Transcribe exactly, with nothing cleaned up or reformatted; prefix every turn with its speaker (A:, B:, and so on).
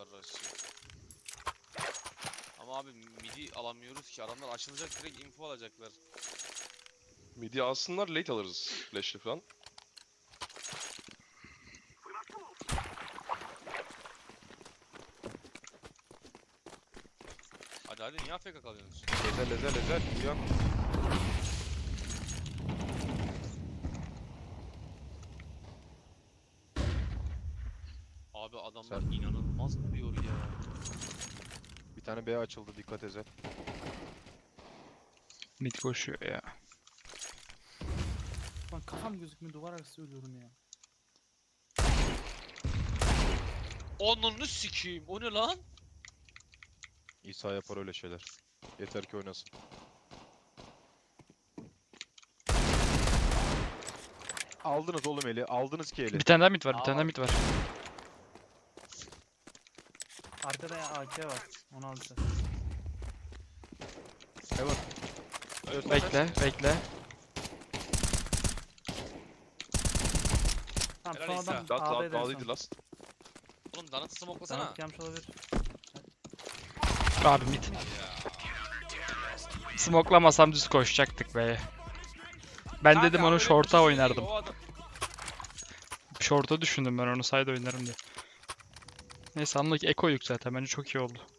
A: Rush'ı. Ama abi midi alamıyoruz ki. Adamlar açılacak, direkt info alacaklar.
B: Midi alsınlar, late alırız flash'li falan.
A: Hadi hadi, niye A F K kalıyorsunuz?
C: Ezel ezel ezel. Uyan.
A: Abi adamlar
C: Sen-
A: inanılmaz vuruyor ya.
C: Bir tane B açıldı, dikkat ezel.
D: Mid koşuyor ya.
E: Lan kafam gözükmüyor, duvar arası ölüyorum ya.
A: Onunu sikeyim. O ne lan?
C: İsa yapar öyle şeyler. Yeter ki oynasın. Aldınız oğlum eli. Aldınız ki eli.
D: Bir tane daha mid var, bir
A: Aa,
D: tane daha
A: var.
D: mid var.
E: Arkada ya A K var. Onu alacağız.
C: Evet.
B: Evet,
D: Bekle, bekle.
E: Tamam,
A: Helal
E: son
A: İsa.
E: adam
B: Last
E: A'da
B: last
E: eder
B: bağlıydı
E: son.
B: last.
A: Oğlum Danıt'ı smoklasana.
E: Tanık gelmiş olabilir.
D: Abi mid. Smoklamasam düz koşacaktık be. Ben
A: Kanka
D: dedim
A: ama
D: onu
A: öyle
D: short'a
A: koşuyorsun ki
D: oynardım.
A: o adam-
D: Short'a düşündüm ben onu, side oynarım diye. Neyse anlık ekoyduk zaten, bence çok iyi oldu.